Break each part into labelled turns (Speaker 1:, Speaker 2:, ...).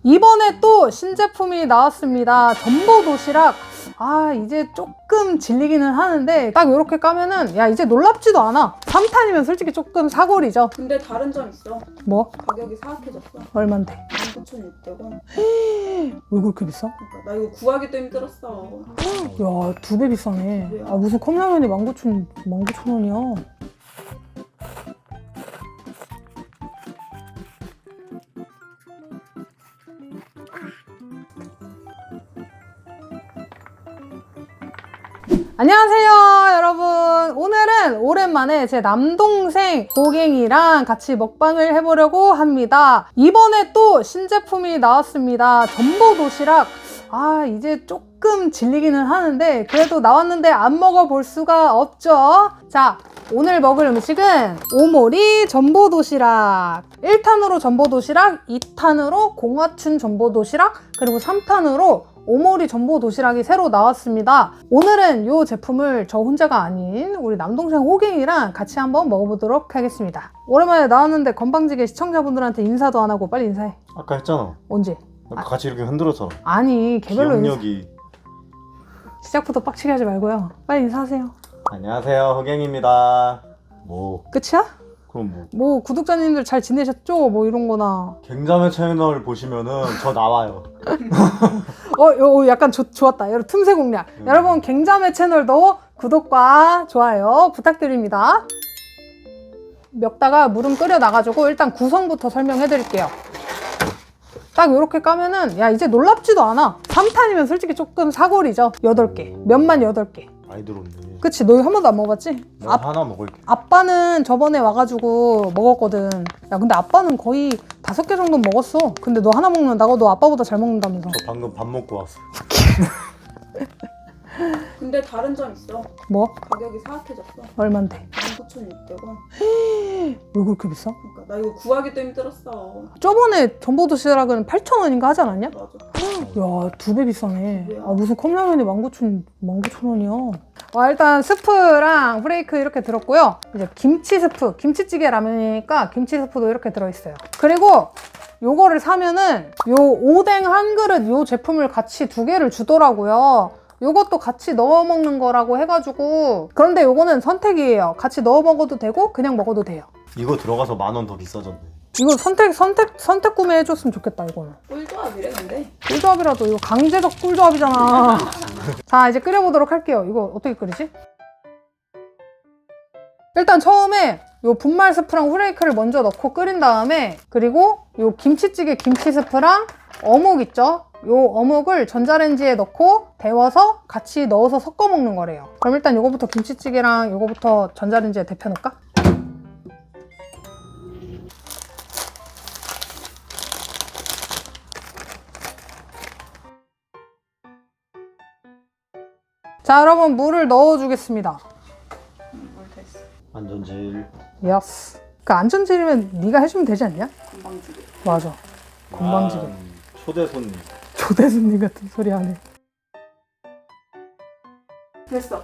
Speaker 1: 이번에 또 신제품이 나왔습니다. 전보 도시락. 이제 조금 질리기는 하는데 딱 이렇게 까면은 야 이제 놀랍지도 않아. 3탄이면 솔직히 조금 사골이죠.
Speaker 2: 근데 다른 점 있어.
Speaker 1: 뭐?
Speaker 2: 가격이 사악해졌어.
Speaker 1: 얼만데?
Speaker 2: 19,600원.
Speaker 1: 왜 그렇게 비싸?
Speaker 2: 그러니까 나 이거 구하기도 힘들었어.
Speaker 1: 야 2배 비싸네. 무슨 컵라면이 19,000원이야. 안녕하세요 여러분. 오늘은 오랜만에 제 남동생 고갱이랑 같이 먹방을 해보려고 합니다. 이번에 또 신제품이 나왔습니다. 전보 도시락. 이제 조금 질리기는 하는데 그래도 나왔는데 안 먹어볼 수가 없죠. 자, 오늘 먹을 음식은 오모리 전보 도시락. 1탄으로 전보 도시락, 2탄으로 공화춘 전보 도시락, 그리고 3탄으로 오모리 전보 도시락이 새로 나왔습니다. 오늘은 이 제품을 저 혼자가 아닌 우리 남동생 호갱이랑 같이 한번 먹어보도록 하겠습니다. 오랜만에 나왔는데 건방지게 시청자분들한테 인사도 안 하고 빨리 인사해.
Speaker 3: 아까 했잖아.
Speaker 1: 언제?
Speaker 3: 같이 이렇게 흔들어서.
Speaker 1: 아니 개별로
Speaker 3: 기억력이.
Speaker 1: 시작부터 빡치게 하지 말고요. 빨리 인사하세요.
Speaker 3: 안녕하세요, 허갱입니다. 뭐
Speaker 1: 끝이야?
Speaker 3: 그럼
Speaker 1: 뭐 구독자님들 잘 지내셨죠? 뭐 이런 거나.
Speaker 3: 갱자매 채널 보시면은 저 나와요.
Speaker 1: 약간 좋았다. 여러분 틈새 공략. 여러분 갱자매 채널도 구독과 좋아요 부탁드립니다. 먹다가 물은 끓여 나가지고 일단 구성부터 설명해 드릴게요. 딱 이렇게 까면은 야 이제 놀랍지도 않아. 3탄이면 솔직히 조금 사골이죠. 8개. 면만 8개.
Speaker 3: 많이 들었네.
Speaker 1: 그치, 너 한 번도 안 먹어봤지?
Speaker 3: 나 하나 먹을게.
Speaker 1: 아빠는 저번에 와가지고 먹었거든. 야 근데 아빠는 거의 5개 정도 먹었어. 근데 너 하나 먹는다고? 너 아빠보다 잘 먹는다면서.
Speaker 3: 저 방금 밥 먹고 왔어.
Speaker 2: 근데 다른 점 있어.
Speaker 1: 뭐?
Speaker 2: 가격이 사악해졌어.
Speaker 1: 얼만데?
Speaker 2: 19,600원.
Speaker 1: 왜 그렇게 비싸?
Speaker 2: 그러니까 나 이거 구하기도 힘들었어.
Speaker 1: 저번에 전보 도시락은 8,000원인가 하지 않았냐?
Speaker 2: 맞아.
Speaker 1: 야 2배 비싸네.
Speaker 2: 뭐야?
Speaker 1: 무슨 컵라면이 19,000원이야. 일단 스프랑 프레이크 이렇게 들었고요. 이제 김치 스프, 김치찌개 라면이니까 김치 스프도 이렇게 들어있어요. 그리고 요거를 사면은 요 오뎅 한 그릇 요 제품을 같이 2개를 주더라고요. 요것도 같이 넣어 먹는 거라고 해가지고. 그런데 요거는 선택이에요. 같이 넣어 먹어도 되고 그냥 먹어도 돼요.
Speaker 3: 이거 들어가서 10,000원 더 비싸졌네.
Speaker 1: 이거 선택 구매해줬으면 좋겠다 이거는.
Speaker 2: 꿀조합이래 근데.
Speaker 1: 꿀조합이라도 이거 강제적 꿀조합이잖아. 자, 이제 끓여보도록 할게요. 이거 어떻게 끓이지? 일단 처음에 요 분말 스프랑 후레이크를 먼저 넣고 끓인 다음에, 그리고 요 김치찌개 김치 스프랑 어묵 있죠? 요 어묵을 전자레인지에 넣고 데워서 같이 넣어서 섞어 먹는 거래요. 그럼 일단 요거부터 김치찌개랑 요거부터 전자레인지에 데펴 놓을까? 자, 여러분 물을 넣어주겠습니다.
Speaker 2: 물 됐어.
Speaker 3: 안전질.
Speaker 1: 예스. 그 안전질이면 네가 해주면 되지 않냐?
Speaker 2: 건방지게.
Speaker 1: 맞아. 건방지게.
Speaker 3: 초대 손님.
Speaker 1: 초대 손님 같은 소리 하네.
Speaker 2: 됐어.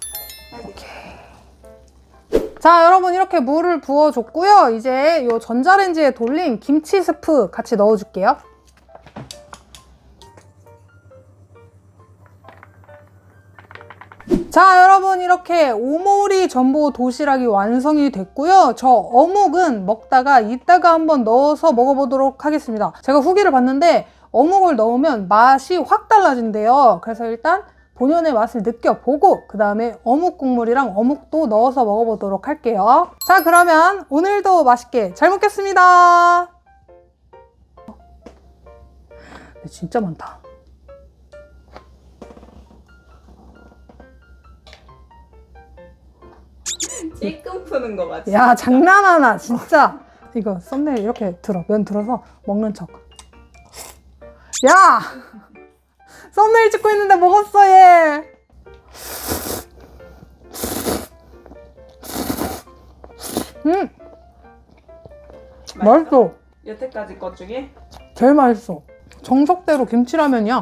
Speaker 1: 자, 여러분 이렇게 물을 부어줬고요. 이제 요 전자레인지에 돌린 김치 스프 같이 넣어줄게요. 자, 여러분 이렇게 오모리 전보 도시락이 완성이 됐고요. 저 어묵은 먹다가 이따가 한번 넣어서 먹어보도록 하겠습니다. 제가 후기를 봤는데 어묵을 넣으면 맛이 확 달라진대요. 그래서 일단 본연의 맛을 느껴보고 그 다음에 어묵 국물이랑 어묵도 넣어서 먹어보도록 할게요. 자, 그러면 오늘도 맛있게 잘 먹겠습니다. 진짜 많다.
Speaker 2: 찔끔 푸는 거 같지?
Speaker 1: 야, 장난하나 진짜. 이거 썸네일 이렇게 들어. 면 들어서 먹는 척. 야! 썸네일 찍고 있는데 먹었어 얘. 맛있어.
Speaker 2: 여태까지 것 중에?
Speaker 1: 제일 맛있어. 정석대로 김치라면이야.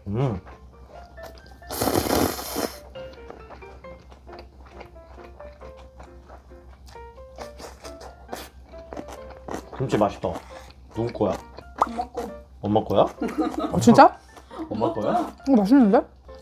Speaker 3: 김치 맛있다. 누구 거야?
Speaker 2: 엄마 거.
Speaker 3: 엄마 거야?
Speaker 1: 진짜?
Speaker 3: 엄마 거야?
Speaker 1: 맛있는데?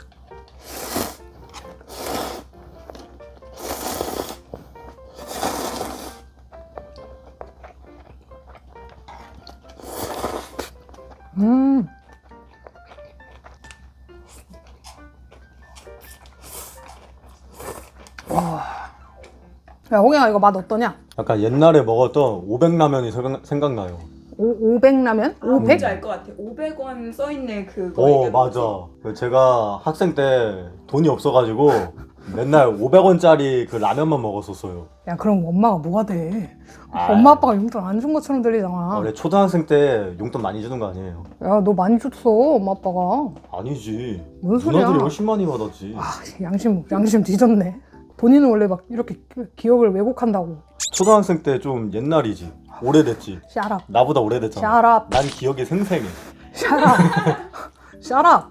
Speaker 1: 야, 호갱아 이거 맛 어떠냐?
Speaker 3: 약간 옛날에 먹었던 500라면이 생각나요.
Speaker 1: 500라면? 500?
Speaker 2: 뭔지 알 것 같아. 500원 써있는 그거.
Speaker 3: 오
Speaker 2: 얘기하는
Speaker 3: 맞아.
Speaker 2: 거지?
Speaker 3: 제가 학생 때 돈이 없어가지고 맨날 500원짜리 그 라면만 먹었었어요.
Speaker 1: 야, 그럼 엄마가 뭐가 돼?
Speaker 3: 아.
Speaker 1: 엄마 아빠가 용돈 안 준 것처럼 들리잖아.
Speaker 3: 원래 초등학생 때 용돈 많이 주는 거 아니에요?
Speaker 1: 야, 너 많이 줬어, 엄마 아빠가.
Speaker 3: 아니지.
Speaker 1: 뭔 소리야?
Speaker 3: 누나들이 훨씬 많이 받았지.
Speaker 1: 아, 양심 뒤졌네. 본인은 원래 막 이렇게 기억을 왜곡한다고.
Speaker 3: 초등학생 때 좀 옛날이지. 오래됐지.
Speaker 1: 샤랍.
Speaker 3: 나보다 오래됐잖아.
Speaker 1: 샤랍.
Speaker 3: 난 기억이 생생해.
Speaker 1: 샤랍. 샤랍.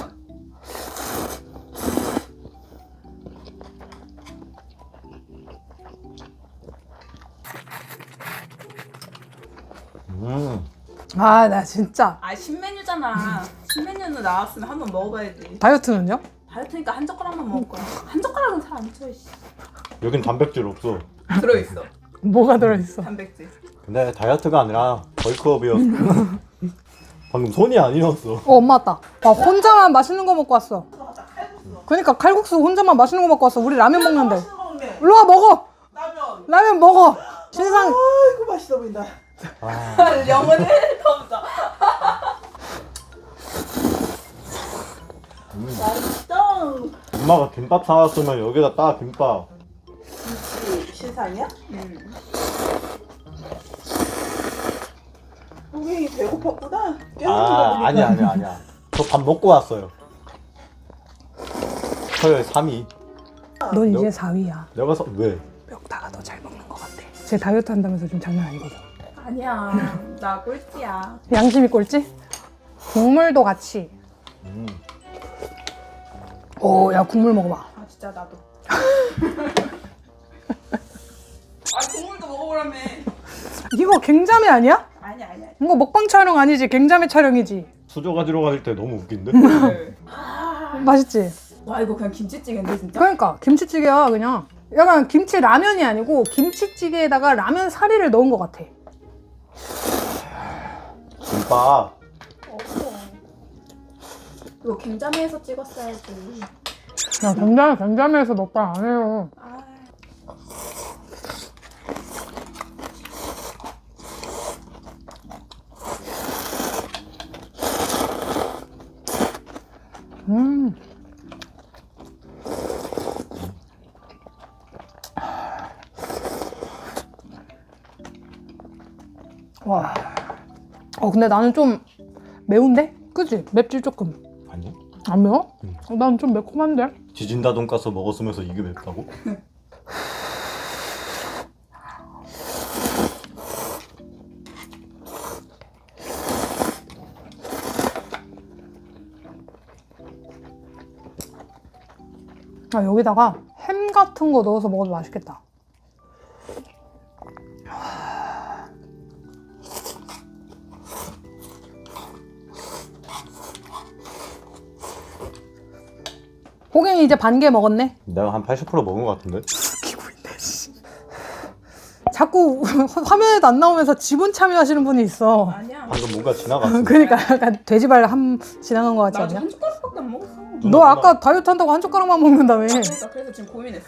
Speaker 1: 아, 나 진짜.
Speaker 2: 아 신메뉴잖아. 신메뉴는 나왔으면 한번 먹어봐야지.
Speaker 1: 다이어트는요?
Speaker 2: 다이어트니까 한 젓가락만 먹을 거야. 한 젓가락은 잘 안 쳐. 씨.
Speaker 3: 여긴 단백질 없어.
Speaker 2: 들어있어.
Speaker 1: 뭐가 들어있어?
Speaker 2: 단백질.
Speaker 3: 근데 다이어트가 아니라 벌크업이었어. 방금 손이 아니었어.
Speaker 1: 엄마 왔다. 와, 혼자만 맛있는 거 먹고 왔어. 그러니까 칼국수 혼자만 맛있는 거 먹고 왔어. 우리 라면 먹는데. 일로 와, 먹어. 라면 먹어. 신상.
Speaker 4: 아이고 맛있어 보인다.
Speaker 2: 영혼을 덮자.
Speaker 4: 맛있어.
Speaker 3: 엄마가 김밥 사왔으면 여기다 딱 김밥.
Speaker 4: 신상이야? 호갱이 배고팠구나.
Speaker 3: 아 아니야. 저 밥 먹고 왔어요. 서열 3위.
Speaker 1: 넌 이제 4위야.
Speaker 3: 내가 왜?
Speaker 1: 멱다가 더 잘 먹는 것 같아. 제 다이어트 한다면서 좀 장난 아니거든.
Speaker 2: 아니야. 나 꼴찌야.
Speaker 1: 양심이 꼴찌? 국물도 같이. 오, 야, 국물 먹어봐.
Speaker 2: 아 진짜 나도. 아 국물도 먹어보라며.
Speaker 1: 이거 갱자매 아니야?
Speaker 2: 아니야.
Speaker 1: 이거 먹방 촬영 아니지? 갱자매 촬영이지.
Speaker 3: 수저 가지러 갈 때 너무 웃긴데?
Speaker 1: 맛있지?
Speaker 2: 와 이거 그냥 김치찌개인데 진짜?
Speaker 1: 그러니까 김치찌개야 그냥. 약간 김치 라면이 아니고 김치찌개에다가 라면 사리를 넣은 것 같아.
Speaker 3: 김밥.
Speaker 2: 없어. 이거 김자매에서 찍었어야지.
Speaker 1: 야, 갱자매에서 먹방 안 해요.
Speaker 2: 아.
Speaker 1: 와. 근데 나는 좀 매운데? 그치? 맵지 조금.
Speaker 3: 아니?
Speaker 1: 안 매워? 난 좀 매콤한데?
Speaker 3: 지진다 돈가스 먹었으면서 이게 맵다고?
Speaker 1: 아, 여기다가 햄 같은 거 넣어서 먹어도 맛있겠다. 호갱이 이제 반 개 먹었네?
Speaker 3: 내가 한 80% 먹은 것 같은데?
Speaker 1: 자꾸 화면에도 안 나오면서 지분 참여하시는 분이 있어.
Speaker 2: 아니야.
Speaker 3: 방금 뭔가 지나갔어.
Speaker 1: 그러니까 약간 돼지발 지나간 것 같지
Speaker 2: 나 아직
Speaker 1: 않냐?
Speaker 2: 한 숟가락밖에 안 먹었어.
Speaker 1: 너 아까 다이어트 한다고 한 젓가락만 먹는다며.
Speaker 2: 그러니까 그래서 지금 고민했어.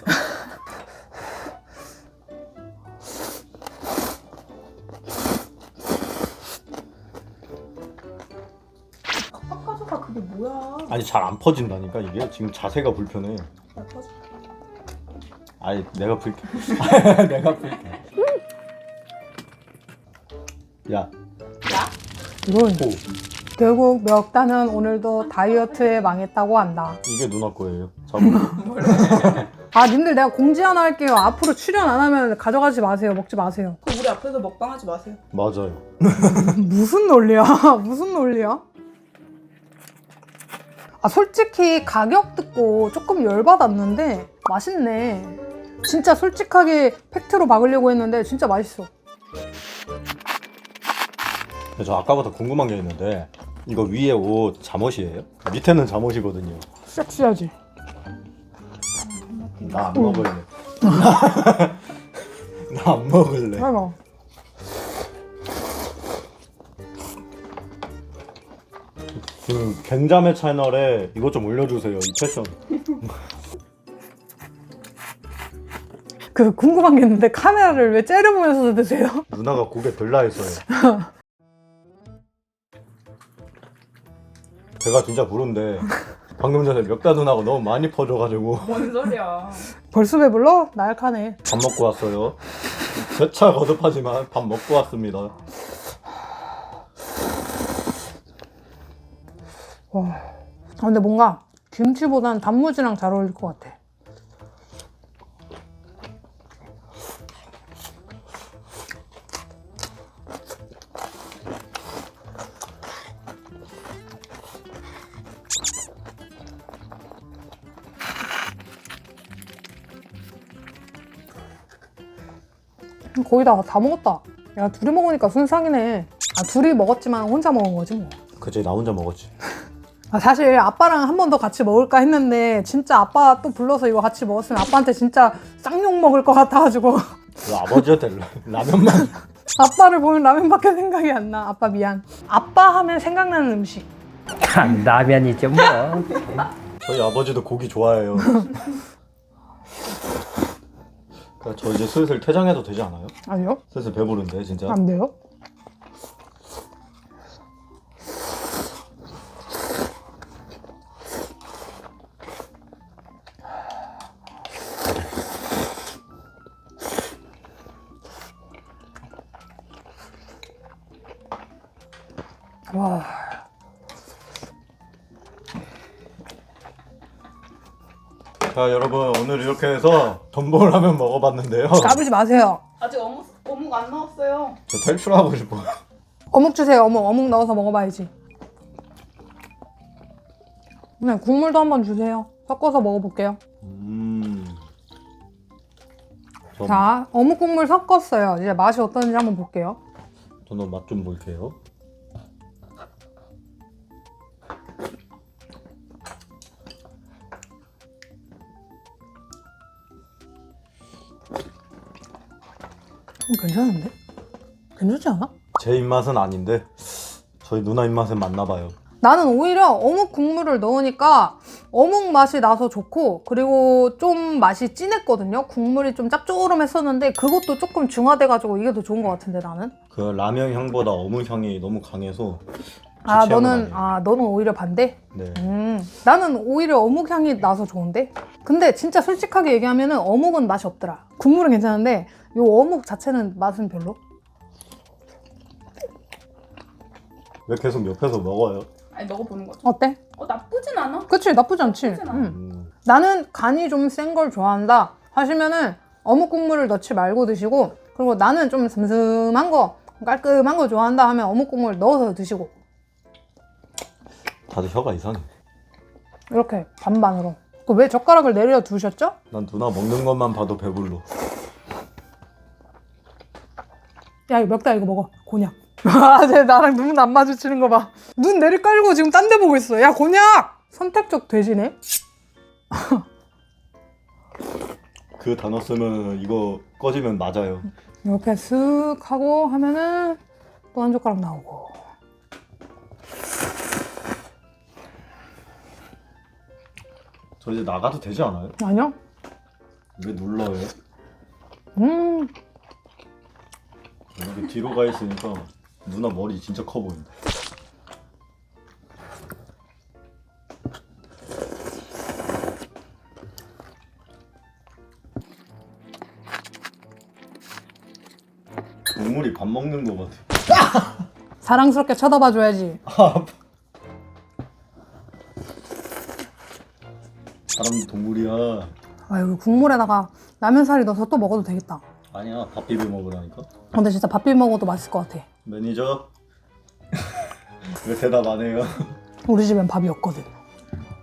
Speaker 2: 팍팍가져가 그게 뭐야?
Speaker 3: 아니 잘 안 퍼진다니까 이게 지금 자세가 불편해.
Speaker 2: 나 터져.
Speaker 3: 아니 내가 불게. 내가 불게. 야.
Speaker 2: 야?
Speaker 1: 이건
Speaker 3: 오.
Speaker 1: 결국 멱다는 오늘도 다이어트에 망했다고 한다.
Speaker 3: 이게 누나 거예요. 잡으.
Speaker 1: 아, 님들 내가 공지 하나 할게요. 앞으로 출연 안 하면 가져가지 마세요. 먹지 마세요.
Speaker 2: 그럼 우리 앞에서 먹방하지 마세요.
Speaker 3: 맞아요.
Speaker 1: 무슨 논리야? 무슨 논리야? 아 솔직히 가격 듣고 조금 열받았는데 맛있네. 진짜 솔직하게 팩트로 박으려고 했는데 진짜 맛있어.
Speaker 3: 저 아까부터 궁금한 게 있는데 이거 위에 옷 잠옷이에요? 밑에는 잠옷이거든요.
Speaker 1: 섹시하지?
Speaker 3: 나 안 먹을래. 나 안 먹을래.
Speaker 1: 아이고.
Speaker 3: 갱자매 채널에 이것 좀 올려주세요. 이 패션.
Speaker 1: 그 궁금한 게 있는데 카메라를 왜 째려보면서 드세요?
Speaker 3: 누나가 고개 들라 했어요. 배가 진짜 부른데 방금 전에 멱다 누나가 너무 많이 퍼져가지고
Speaker 2: 뭔 소리야.
Speaker 1: 벌써 배불러? 나약하네.
Speaker 3: 밥 먹고 왔어요. 재차 거듭하지만 밥 먹고 왔습니다.
Speaker 1: 와. 아, 근데 뭔가 김치보단 단무지랑 잘 어울릴 것 같아. 거의 다 먹었다. 야, 둘이 먹으니까 순삭이네. 아, 둘이 먹었지만 혼자 먹은 거지 뭐.
Speaker 3: 그치, 나 혼자 먹었지.
Speaker 1: 아, 사실 아빠랑 한 번 더 같이 먹을까 했는데 진짜 아빠 또 불러서 이거 같이 먹었으면 아빠한테 진짜 쌍욕 먹을 것 같아가지고
Speaker 3: 그 아버지한테 라면만.
Speaker 1: 아빠를 보면 라면밖에 생각이 안 나. 아빠 미안. 아빠 하면 생각나는 음식.
Speaker 5: 라면이죠 뭐.
Speaker 3: 저희 아버지도 고기 좋아해요. 그러니까 저 이제 슬슬 퇴장해도 되지 않아요?
Speaker 1: 아니요?
Speaker 3: 슬슬 배부른데 진짜.
Speaker 1: 안 돼요? 와.
Speaker 3: 자 여러분 오늘 이렇게 해서 전복라면 먹어봤는데요.
Speaker 1: 까불지 마세요.
Speaker 2: 아직 어묵 안 넣었어요.
Speaker 3: 저 탈출하고 싶어요.
Speaker 1: 어묵 주세요. 어묵 넣어서 먹어봐야지. 네, 국물도 한번 주세요. 섞어서 먹어볼게요. 자, 어묵 국물 섞었어요. 이제 맛이 어떤지 한번 볼게요.
Speaker 3: 저는 맛 좀 볼게요.
Speaker 1: 괜찮은데? 괜찮지 않아?
Speaker 3: 제 입맛은 아닌데 저희 누나 입맛은 맞나 봐요.
Speaker 1: 나는 오히려 어묵 국물을 넣으니까 어묵 맛이 나서 좋고, 그리고 좀 맛이 진했거든요. 국물이 좀 짭조름했었는데 그것도 조금 중화돼가지고 이게 더 좋은 것 같은데 나는.
Speaker 3: 그 라면 향보다 어묵 향이 너무 강해서
Speaker 1: 아,
Speaker 3: 제 취향은
Speaker 1: 너는
Speaker 3: 아니에요.
Speaker 1: 너는 오히려 반대?
Speaker 3: 네.
Speaker 1: 나는 오히려 어묵 향이 나서 좋은데? 근데 진짜 솔직하게 얘기하면은 어묵은 맛이 없더라. 국물은 괜찮은데 요 어묵 자체는 맛은 별로?
Speaker 3: 왜 계속 옆에서 먹어요?
Speaker 2: 아니 먹어보는 거죠.
Speaker 1: 어때?
Speaker 2: 나쁘진 않아.
Speaker 1: 그치, 나쁘지 않지?
Speaker 2: 나쁘진 않아.
Speaker 1: 나는 간이 좀 센 걸 좋아한다 하시면은 어묵 국물을 넣지 말고 드시고, 그리고 나는 좀 슴슴한 거, 깔끔한 거 좋아한다 하면 어묵 국물 넣어서 드시고,
Speaker 3: 다들 혀가 이상해.
Speaker 1: 이렇게 반반으로. 왜 젓가락을 내려 두셨죠?
Speaker 3: 난 누나 먹는 것만 봐도 배불러.
Speaker 1: 야, 이거 멱다 이거 먹어. 곤약. 아, 쟤 나랑 눈 안 마주치는 거 봐. 눈 내리 깔고 지금 딴 데 보고 있어. 야, 곤약! 선택적 돼지네?
Speaker 3: 그 단어 쓰면 이거 꺼지면 맞아요.
Speaker 1: 이렇게 쓱 하고 하면은 또 한 젓가락 나오고.
Speaker 3: 저 이제 나가도 되지 않아요?
Speaker 1: 아니요?
Speaker 3: 왜 눌러요?
Speaker 1: 음,
Speaker 3: 여기 뒤로 가 있으니까 누나 머리 진짜 커 보인다. 동물이 밥 먹는 거 같아.
Speaker 1: 사랑스럽게 쳐다봐 줘야지.
Speaker 3: 사람도 동물이야.
Speaker 1: 아, 여기 국물에다가 라면사리 넣어서 또 먹어도 되겠다.
Speaker 3: 아니야, 밥 비벼 먹으라니까.
Speaker 1: 근데 진짜 밥 비벼 먹어도 맛있을 것 같아.
Speaker 3: 매니저 왜 대답 안 해요?
Speaker 1: 우리 집엔 밥이 없거든.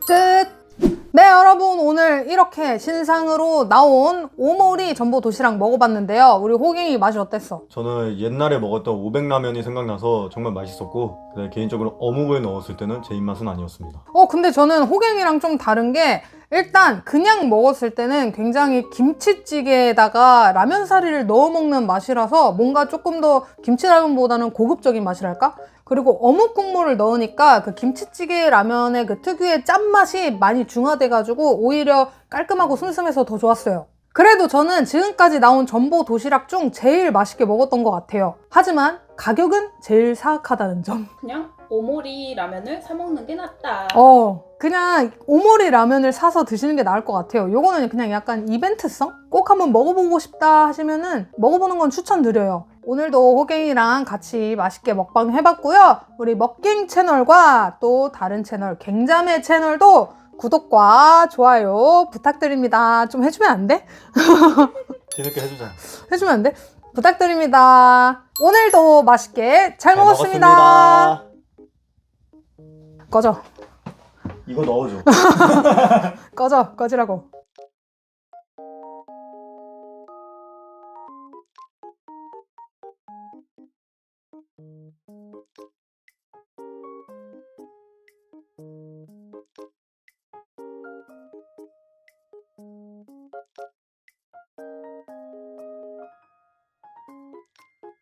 Speaker 1: 끝! 네, 여러분 오늘 이렇게 신상으로 나온 오모리 전보 도시락 먹어봤는데요. 우리 호갱이 맛이 어땠어?
Speaker 3: 저는 옛날에 먹었던 500라면이 생각나서 정말 맛있었고, 근데 개인적으로 어묵을 넣었을 때는 제 입맛은 아니었습니다.
Speaker 1: 근데 저는 호갱이랑 좀 다른 게 일단 그냥 먹었을 때는 굉장히 김치찌개에다가 라면 사리를 넣어 먹는 맛이라서 뭔가 조금 더 김치라면보다는 고급적인 맛이랄까? 그리고 어묵 국물을 넣으니까 그 김치찌개 라면의 그 특유의 짠맛이 많이 중화돼가지고 오히려 깔끔하고 슴슴해서 더 좋았어요. 그래도 저는 지금까지 나온 전보 도시락 중 제일 맛있게 먹었던 것 같아요. 하지만 가격은 제일 사악하다는 점.
Speaker 2: 그냥 오모리 라면을 사 먹는 게 낫다.
Speaker 1: 그냥 오모리 라면을 사서 드시는 게 나을 것 같아요. 요거는 그냥 약간 이벤트성? 꼭 한번 먹어보고 싶다 하시면은 먹어보는 건 추천드려요. 오늘도 호갱이랑 같이 맛있게 먹방 해봤고요. 우리 먹갱 채널과 또 다른 채널 갱자매 채널도 구독과 좋아요 부탁드립니다. 좀 해주면 안 돼?
Speaker 3: 뒤늦게 해주자.
Speaker 1: 해주면 안 돼? 부탁드립니다. 오늘도 맛있게 잘 먹었습니다.
Speaker 3: 먹었습니다.
Speaker 1: 꺼져.
Speaker 3: 이거 넣어줘.
Speaker 1: 꺼지라고.